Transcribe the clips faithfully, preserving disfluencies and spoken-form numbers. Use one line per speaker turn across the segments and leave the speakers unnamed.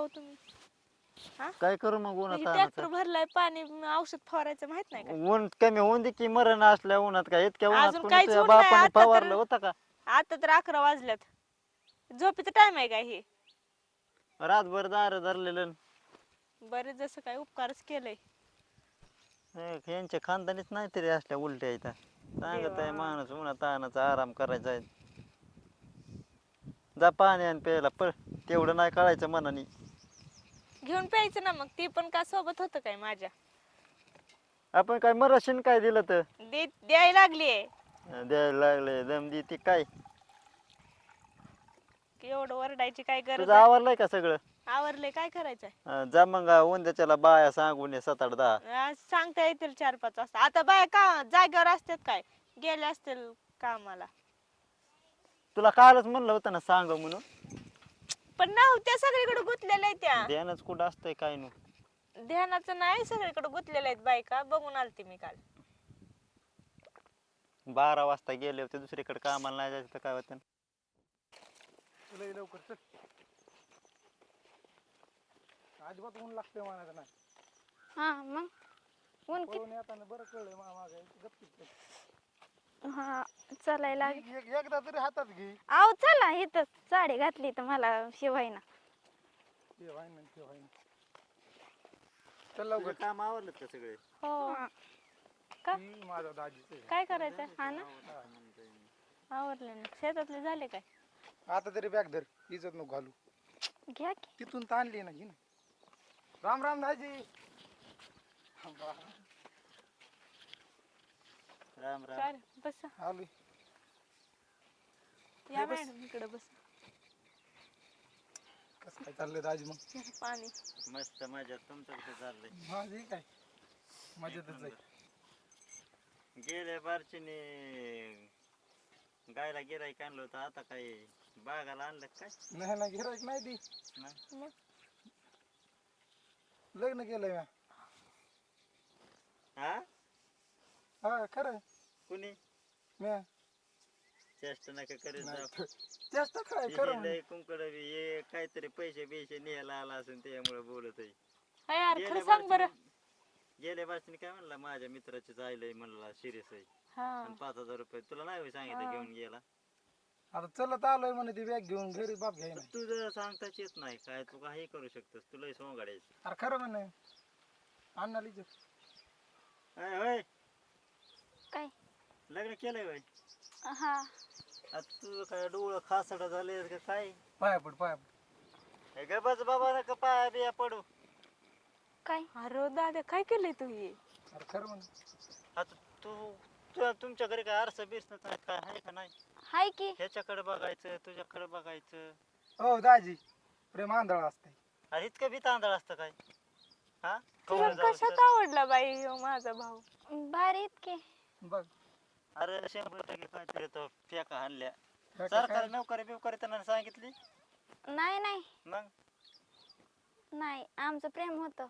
हो तुम्ही? हा
काय करू मग उन्हात
ट्रॅक्टर
आणायचं?
भरलाय पाणी औषध फवारायचं माहित नाही का?
ऊन कमी होऊन दे की मरण असल्या उन्हात काय इतक्या उन्हात
अजून
कोणी
काहीच
तुझ्या
ऊन नाही
बापाने
आता तर.
फवारलं होतं का?
आता तर अकरा वाजल्यात झोपेचा टाइम आहे काय हे?
रातभर दार धरलेलं.
बरे जसं काय उपकारच केलंय.
हे, यांच्या खानदानीच नाही तरी असल्या उलट्या इथं सांगत
देवा
आहे माणूस उन्हात तानाचा आराम करायचा आहे. जा पाणी आण प्यायला पळ. तेवढं नाही कळायचं मनाने.
घेऊन प्यायचं ना मग ती पण का सोबत होतं काय माझ्या?
आपण काय मराशीन काय दिलं तर
दे द्याय लागलीये
द्यायला लागले दम देती काय?
की एवढं वरडायची काय गरज
तुझं
आहे?
आवरलंय का सगळं?
आवरलंय काय करायचंय?
अं, जा मग उंद्याच्याला बाया सांगून ये सात आठ दहा.
आज सांगता येतील चार पाच वाजता. आता बाय का जागेवर असतात काय? गेले असतील कामाला.
तुला कालच म्हणलं होतं ना सांग म्हणून.
पण नव्हत्या सगळीकडे गुंतलेल्या आहेत त्या.
ध्यानच कुठं असतंय काय नु.
ध्यानाचं नाही सगळीकडे गुंतलेल्या आहेत बायका बघून आलते मी काल.
बारा वाजता गेले होते दुसरीकडे कामाला नाही जायचं तर काय होतं.
लय लवकर चल. अजिबात ऊन लागतंय म्हणायचं नाही.
हा मग ऊन किती?
पळून येताना बरं कळलंय मा मागे गपचिप चल.
हा चालायला
एक- एक- एकदा तरी हातात घे.
आव चला इथं साडी घातली तर मला शिवायना.
ते व्हाय ना ते व्हाय ना. चल लवकर.
तुझं काम आवरलं का सगळे?
हो का?
ही माझा दाजीच आहे.
काय करायचं?
हा ना
आवरले ना. शेतातले झाले काय?
आता तरी बॅग धर इज्जत नको घालू.
घ्या की.
तिथून ताणली ना घे ना. राम राम दाजी.
राम राम.
काय रे? बस
आलोय.
या
बस.
मॅडम इकडे बस.
कसं काय चाललंय दाजी मग?
पाणी.
मस्त मजा तुमचं कसं चाललंय?
माझी काय मजेतच आहे.
गेल्या बारचीने गायला गिराईक आणलं होतं आता काय बागाला आणलं काय?
नाही ना गिरायक नाही ती.
नाही.
लग्न केलंय म्या.
हा
हा खरं
कुणी
म्या.
चेष्टा नका करीत जाऊ.
जास्त काय
हे
खरं म्हणे.
लय कुंकड बी हे काहीतरी पैसे बिशे न्यायला आला असेल त्यामुळे बोलत आहे.
हाय यार
गेल्या
खरं सांग बरं.
बारचीने- गेल्या बारचीने काय म्हणला माझ्या मित्राची जायलंय म्हणला सिरियस आहे
हा
आणि पाच हजार रुपये तुला नाही होय सांगितलं
हा.
घेऊन गेला.
आता चलत आलोय म्हणे ती बॅग घेऊन घरी बाप घ्याय ना.
तुझं सांगताच येत नाही काय तू काही करू शकतोस तुला सोंगाडायचं.
अरे खरं म्हणे अण्णा लिहिच.
अय होय
काय?
लग्न केलंय होय?
हा
आता तुझं काय डोळं खासडा झाले का काय?
पाया पड पाया पड.
हे ग बस बाबा नका पाया बिया पडू.
काय?
अरे दादा काय केलंय तू हे?
अरे खरं म्हणे.
आता तू तू तुमच्या घरी काय आरसा बिरसा काय आहे का नाही?
हाय की.
ह्याच्याकडे बघायचं तुझ्याकडे बघायचं.
हो दाजी प्रेम आंधळा असते.
अरे इतकं बी तांदळ असतं काय? हा
तुला
कवळं जाऊ
कशात
तर.
आवडला बाई ह्यो माझा भाऊ?
भारी इतके.
बघ
अरे शंभर टक्के काहीतरी तो फेका आणल्या.
काय-
सरकारी
काय-
नोकरी बिवकरी त्यांना सांगितली
नाही नाही
मग
नाही आमचं प्रेम होतं.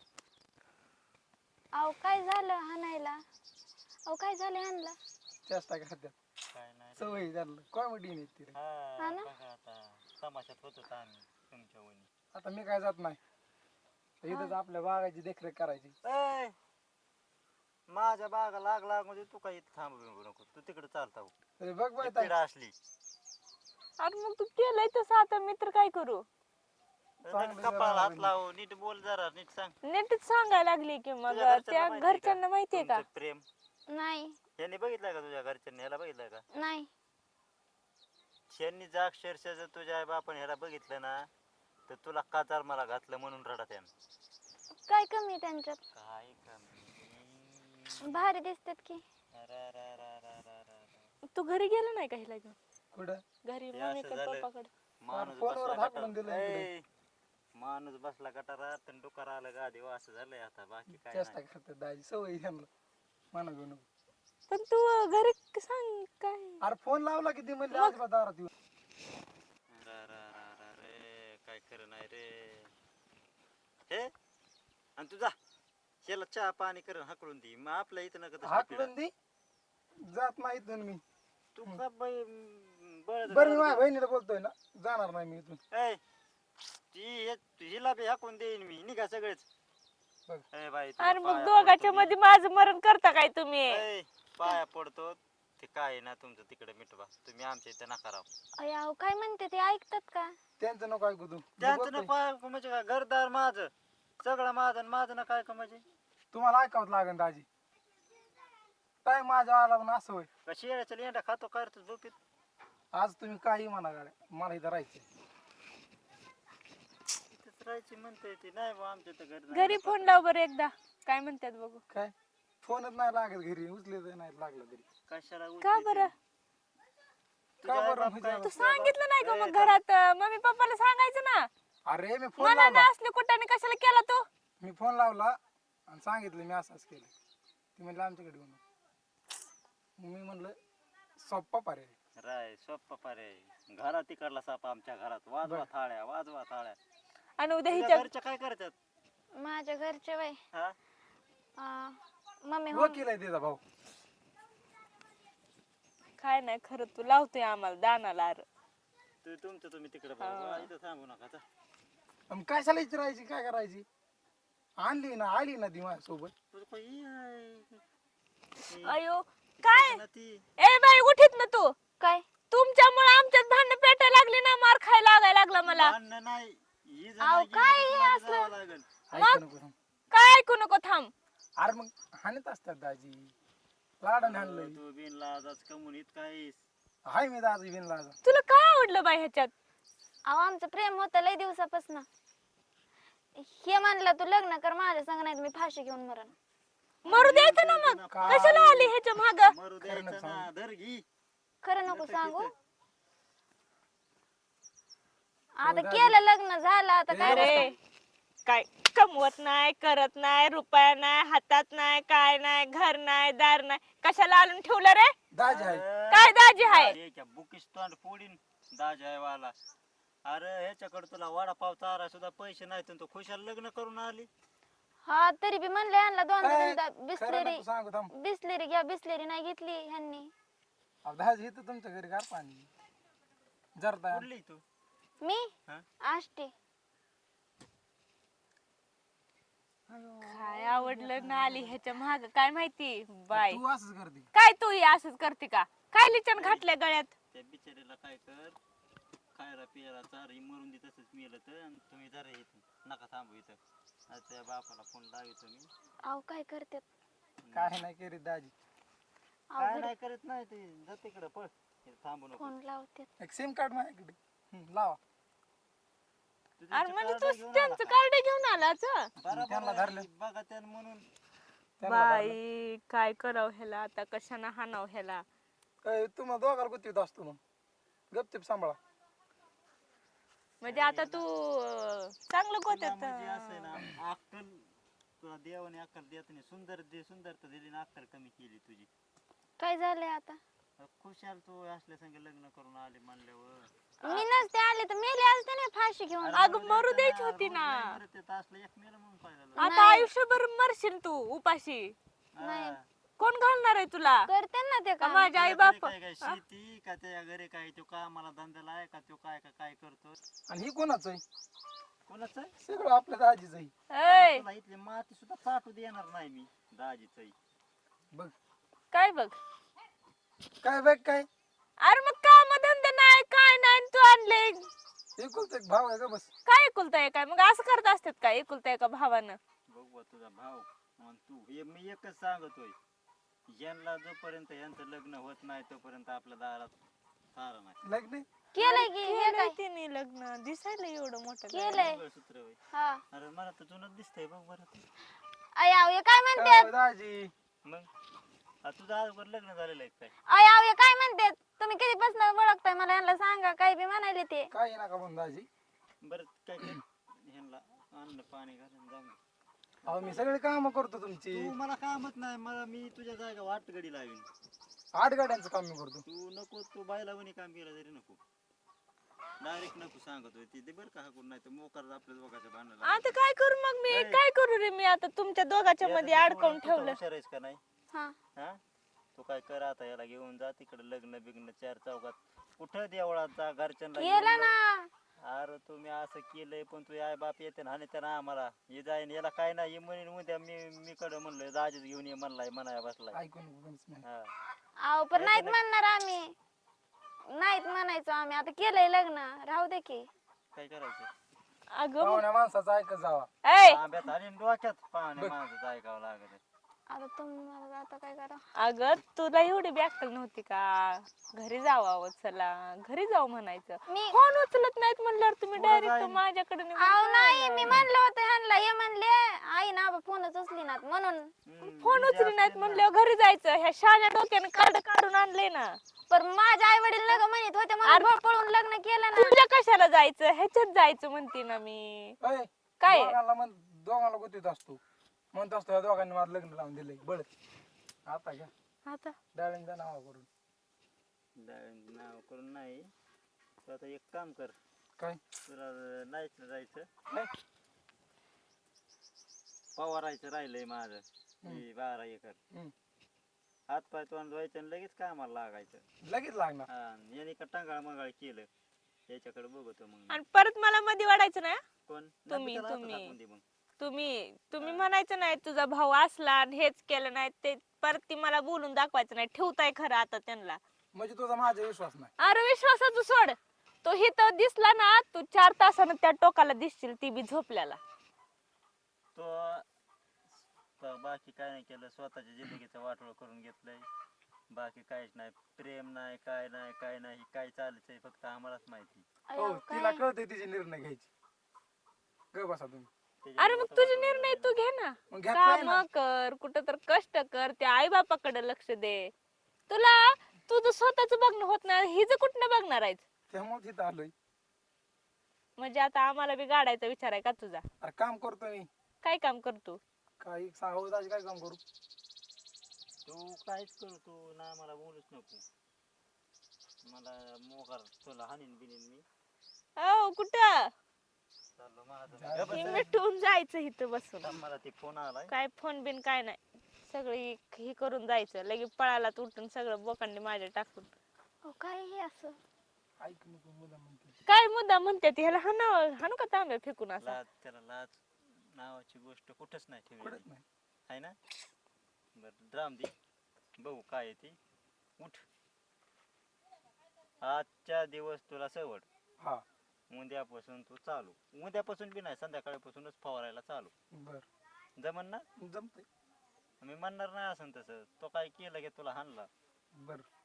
अहो काय झालं हाणायला? अहो काय झालं हाणला?
चेष्टा खात्यात
काय नाही रे.
सवय झालं कॉमेडी नाही ती रे.
हा
हा ना?
बघा आता तमाशात होतो आम्ही तुमच्या वणी.
आता मी काय जात नाही इथंच आपल्या बागाची देखरेख करायची.
ए, माझ्या बागा लाग लाग म्हणजे तू काही इथं थांबू बिंबू नको तू तिकडे चालता हो.
अरे बघ बाय
ती
ताई.
पिढा असली
अरे मग तू केलंय तसं आता मित्र काय करू?
चांगलं
कपाळ
जरा
हात लावू नीट बोल जरा नीट सांग.
नीटच सांगायला लागली की मग
तुझ्या घरच्यांना
त्या
माहितीये का?
घरच्यांना माहितीये का?
तुमचं प्रेम
नाही
यांनी बघितलंय का तुझ्या घरच्यांनी ह्याला बघितलंय का?
नाही
त्यांनी जर अक्षरशः जर तुझ्या आई बापाने ह्याला बघितलं ना तर तुला काचार मला घातलं म्हणून रडत आहे.
काय कमी त्यांच्यात?
काय कमी?
भारी दिसतात की.
रा रा रा रा रा रा.
तू घरी गेला नाही का हिला घेऊन?
कुठं
घरी
हे असं
मम्मीकडे
झालं.
पप्पाकडे.
माणूस
फोनवर
बसला
हाकलून दिलं
गटारात.
इकडे.
ए, माणूस बसला गटारात आणि डुकार आलं गादी असं झालंय आता बाकी काय
चेष्टा
नाही.
खात्यात दाजी सवय त्यांना म्हणा घेऊ नको.
पण तू घरी सांग काय?
अरे फोन लावला किती म्हणले अजिबात दारात येऊ.
रा रा रा रा रे काय खरं नाही रे हे आणि तुझा शेला चहा पाणी करून हाकलून दे मग आपल्या इथं नका तसली पिढा.
हाकलून दे जात नाही इथून मी.
तू का बाई, म, बळद
बरं मी
घालत
माझ्या
जा.
बहिणीला बोलतोय ना जाणार नाही मी इथून.
ए, ती हे- हिला बी हाकून देईन मी निघा सगळेच
बघ.
ए बाई तुला
अरे मग
पाया
दोघाच्या
पडतो
मध्ये माझं मरण करता काय तुम्ही
मी. ए, पाया पडतो ते काय आहे ना तुमचं तिकडे मिटवा तुम्ही आमच्या इथे नका राहू
अय अहो काय म्हणते ते ऐकतात का?
त्यांचं नको ऐकू तू मी
त्यांचं
बोलतोय.
ना पाय म्हणजे काय घरदार माझं सगळं माझं आणि माझं ना काय का म्हणजे
तुम्हाला ऐकावंच लागेल दाजी. काय माझ्या आला पण असं होय.
का शेळ्याच्या लेंडा खातो काय रे तू झोपीत
आज तुम्ही काही म्हणा गाड्या मला इथं राहायचं.
इथंच राहायची म्हणते ती नाही बा आमच्या तर घर
घरी फोन लाव बरं एकदा काय म्हणतात बघू
काय फोनच नाही लागत घरी उचले तर नाही लागलं तरी.
कशाला
का
उचलीत
बरं
आहे? तुझा
का
आई
बरं
बाप
म्हणजे
काय-
आता?
तू सांगितलं नाही का
ए,
मग
थांब.
घरात अं, मम्मी पप्पाला सांगायचं ना
अरे मी फोन
मला
लावला
ना असले कुठाने कशाला केला तू
मी फोन लावला आणि सांगितलं मी असंच केलं. ती म्हणलं आमच्याकडे येऊन मी म्हणलं सोप्पा पर्याय.
राय सोप्पा पर्याय घरात तिकडला साप आमच्या घरात वाजवा
बरं.
थाळ्या वाजवा थाळ्या
आणि उद्या
तुझ्या
हिच्या
घरच्या काय करतात
माझ्या घरचे वय
हा
अं, मम्मी हो
वकील आहे तिचा भाऊ.
काय नाही खरं तू लावतोय आम्हाला दानाला अरे
तू तुमचं तुम्ही तिकडे
हा.
बघा इथं थांबू नका जा.
मग कशाला विचारायची काय करायची आणली ना आली ना ती माझ्यासोबत.
तुझं काय हे आहे? हे
अयो काय
ना ती
ए बाई उठीत ना तू
काय
तुमच्यामुळे आमच्यात भांडण पेटायला लागली ना मार खायला लागायला लागला मला
भांडणं नाही ही जर
अहो,
नाही गेली तर
काय हे
तुम्हाला
असलं?
जावं लागेल.
ऐकू नको थांब.
काय ऐकू नको थांब
अरे मग हाणत असतात दाजी लाडाने हाणलंय.
तू बिन लाजाच कमून इतकाहीस
हाय मी दाजी बिन लाजा.
तुला काय आवडलं बाई ह्याच्यात
अहो आमचं प्रेम होतं लय दिवसापासून हे म्हणलं तू लग्न कर माझ्या संग नाही तर मी फाशी घेऊन मरण.
मरू द्यायचं ना मग
काय?
कशाला आली ह्याच्या माग
मरू
खरं
द्यायचं
सांग.
ना धर घी
खरं नको
नका
सांगू
तिथं.
आता केलं लग्न झालं आता काय
अरे काय कमवत नाही करत नाही रुपया नाही हातात नाही काय नाही घर नाही दार नाही कशाला आणून ठेवलं रे
दाजी आहे.
काय दाजी हाय
अरे क्या बुकीस तोंड फोडीन दाज आहे वाला अरे ह्याच्याकडे तुला वडापाव चारा सुद्धा पैसे नाहीत आणि तू खुशाल लग्न करून आली
हा तरी बी म्हणलं यांना दोन
काय?
दोनदा
खरं
बिस्लेरी
नको सांगू थांब.
बिस्लेरी घ्या बिस्लेरी नाही घेतली ह्यांनी.
अहो, दाजी इथं तुमच्या घरी गार पाणी जरदा
कुठली तू
मी
हा?
आष्टी
काय आवडलं ना आली ह्याच्या माग काय माहिती बाय
तू असंच करते.
काय तू हे असंच करते का काय लिचन घातल्या गळ्यात
त्या बिचारीला काय कर खायला पियाला चार ही मरून दे तसंच मेलं तर आणि तुम्ही जरा इथं नका थांबू इथं आता त्या बापाला फोन लावितो मी
अहो काय करतात
काय नाही करीत दाजी.
अहो
काय
घरी
नाही करत नाही ते जा तिकडं पळ इथं थांबू नको
फोन लावतात.
एक सिम कार्ड माझ्याकडे हं, लावा.
तू
अरे
त्यांचं
म्हणजे
कार्ड
तू
घेऊन
त्यांचं
आला.
कार्ड घेऊन आलाच
बरोबर
त्यांना
आहे,
धरलं.
बघा त्यानं म्हणून
त्यांना धरलं.
बाई काय करावं ह्याला आता कशानं हाणाव ह्याला
काय तुम्हाला दोघाला गुत्तीत असतो मग गपचिप सांभाळा.
म्हणजे आता तू अं, चांगलं
तुला
गोत्यात
म्हणजे असं आहे ना अक्कल तुला देवाने अक्कल देत नाही सुंदर दे सुंदरता दिली ना अक्कल कमी केली तुझी
काय झालंय आता
खुशाल तू असल्या संग लग्न करून आले म्हणल्यावर
मी नसते आले तर मेले असते ना फाशी घेऊन.
अरे
अगं,
मरू
मरू
द्यायचं
द्यायची होती
रोज
ना.
नाही मरत येत असलं एक मेलं म्हणून काय झालं?
आता
नाही.
आयुष्यभर मरशील तू उपाशी
नाही.
हा.
कोण घालणार आहे तुला
करते ना ते
का
काम.
माझ्या आई
तुझ्या घरी
बाप
काय काय शेती का त्या घरी काय तो कामाला धंद्याला आहे का तो काय का काय करतो
आणि ही कोणाचं आहे
कोणाचं आहे?
सगळं आपल्या दाजीच आहे.
ऐ,
तुला इथली माती सुद्धा चाटू देणार नाही मी दाजीच
बघ
काय बघ
काय बघ काय
अरे मग काम धंदे नाही काय नाही तू आणले
एकुलता एक भाव आहे का बस.
काय एकुलता काय मग असं करत असतात का एकुलता एका भावानं
बघ बा तुझा भाव आणि तू हे मी एकच सांगतोय यांना जोपर्यंत यांचं लग्न होत नाही तोपर्यंत आपल्या दारात सारा नाही
लग्न
केलंय की हे
केलंय
काय
तिने लग्न दिसायला एवढं मोठं
केलंय.
मंगळसूत्र होय.
हा
अरे मला तर जुनच दिसतंय बघ बरं ते.
आई आव हे काय म्हणतात
काय दाजी
मग आ, तुझं अगोदर लग्न झालेलं आहे काय
आई आव हे काय म्हणतात तुम्ही कधीपासून ओळखताय मला यांना सांगा काय बी म्हणाले ते.
काय नका म्हणून दाजी.
बरं काय कर ह्यांना अन्न पाणी घालून जाऊन दे.
अहो मी सगळे काम करतो तुमची.
तू मला कामच नाही मला मी तुझ्या जागा वाट गडी लावीन
आठ गाड्यांचं काम मी करतो.
तू नको तू बायला वणी काम केलं तरी नको डायरेक्ट नको सांगत होय ती बरं का हाकून नाही तर मोकार आपल्या दोघांच्या भांडण
आता काय करू मग मी काय करू रे मी आता तुमच्या दोघांच्या मध्ये अडकवून ठेवलं
हुशार आहेस का नाही
हा
हा तू काय कर आता याला घेऊन जा तिकडे लग्न बिग्न चार चौकात कुठं देवळात जा घरच्यांना घेऊन
केलं
जा.
ना
अरे तुम्ही असं केलंय पण तू आई बाप येते ना आणि ना आम्हाला हे जाईन याला काय नाही म्हणून उद्या मी मी कडे म्हणलोय दाजीच घेऊन ये म्हणलाय म्हणाय बसलाय.
ऐकून कोणीच नाही.
हा
अहो पण नाहीत
नाही.
म्हणणार आम्ही, नाहीत म्हणायचो आम्ही. आता केलंय लग्न, राहू दे की.
काय करायचं
अगं
पाहुण्या माणसाचं ऐकत जावा.
ऐ
आंब्यात आणि डोक्यात पाहुणे माणसं ऐकावं लागत.
आता तुम्हाला आता काय करा.
अगं तुला एवढी बी अक्कल नव्हती का घरी जावावं, चला घरी जाऊ म्हणायचं.
मी
फोन उचलत नाहीत म्हणल्यावर तुम्ही
पुढं
डायरेक्ट
जाईन.
माझ्याकडे निघून
अहो नाही,
जायला.
मी म्हणलं होतं ह्यांना, हे म्हणले आई ना फोनच उचली ना म्हणून.
हम्म,
फोन
बिजी
उचली नाहीत
असतील ना.
म्हणल्यावर घरी जायचं. ह्या शाळ्या डोक्यानं कार्ड काढून आणले ना.
पण माझे आई वडील नका म्हणत होते म्हणून
अरे-
पळ- पळून लग्न केलं ना.
तुझ्या कशाला जायचं, ह्याच्यात जायचं म्हणते ना मी.
अय,
काय?
दोघांना म्हण दोघांना गुतीत असतो म्हणत असतो या दोघांनी माझं लग्न लावून दिलंय बळ. आता घ्या
आता
डाळिंबचा नाव करून.
डाळ- नाव करून नाही तू आता एक काम कर
काय
तुला नाहीच जायचं
नाही?
पवारायचं राहिलंय माझं
हम्म.
हे बारा एकर.
हम्म.
हात पाय तोंड धुवायचं आणि लगेच कामाला लागायचं.
लगेच लागणार.
हा याने का टांगाळ मंगाळ केलं याच्याकडे बघतो मग मी.
आणि परत मला मध्ये वाढायचं ना.
कोण
तुम्ही-
नंतर त्याला
तुम्ही.
हातात हाकून दे मग.
तुम्ही तुम्ही
हा.
म्हणायचं नाही तुझा भाऊ असला आणि हेच केलं नाही ते परत ती मला बोलून दाखवायचं नाही. ठेवताय खरं आता त्यांना.
म्हणजे तुझा माझा विश्वास नाही.
अरे विश्वासाचं सोड. तो हिथं दिसला ना तू चार तासानं त्या टोकाला दिसशील ती बी झोपल्याला.
तो तो बाकी काय नाही केलं स्वतःच्या जिंदगीचं वाटोळ करून घेतलंय. बाकी काहीच नाही प्रेम नाही काय नाही काय नाही काय चाललंय फक्त आम्हालाच माहिती.
हो
अयो,
तिला
काय?
कळतंय तिचे निर्णय घ्यायची. ग बसा तुम्ही.
अरे मग तुझे निर्णय तू घे ना.
मग घेतलाय
काम
ना.
कर, कुठं तर कष्ट कर, त्या आई बापाकडे लक्ष दे. तुला तुझं स्वतःच बघणं होत नाही, हिचं कुठनं बघणार आहेस?
त्यामुळे तिथं आलोय.
म्हणजे आता आम्हाला बी गाडायचा विचार आहे का तुझा?
अरे काम करतो मी.
काय काम करतो?
काही सांगू दाजी काय काम करू?
तू काहीच करू तू ना मला बोलूच नको. मला मोकार तुला हानीन बिनीन मी
हो कुठं
चाललो माझं
जा-
गप्प
हे
बस.
मिटून जायचं इथं बसून.
थांब, मला ते फोन आलाय.
काय फोन बिन काय नाही, सगळी हे करून जायचं. लगेच पळाला उठून सगळं बोकांडी माझ्या टाकून.
अहो, काय हे असं.
ऐक नको मुला म्हणते.
काय मुद्दा म्हणते ती, ह्याला हाना हाणू का तांब्या फेकून असा?
लाज त्याला लाज नावाची गोष्ट कुठंच नाही ठेवली
कळत नाही.
आहे ना. बरं ड्राम दे बघू काय आहे ते. उठ आजच्या दिवस तुला सवड.
हा
उद्यापासून तू चालू. उद्यापासून बी नाही संध्याकाळपासूनच फवारायला चालू.
बर
जमन ना.
जमतंय.
मी म्हणणार नाही असं तसं तो काय केलं की तुला हाणला.
बर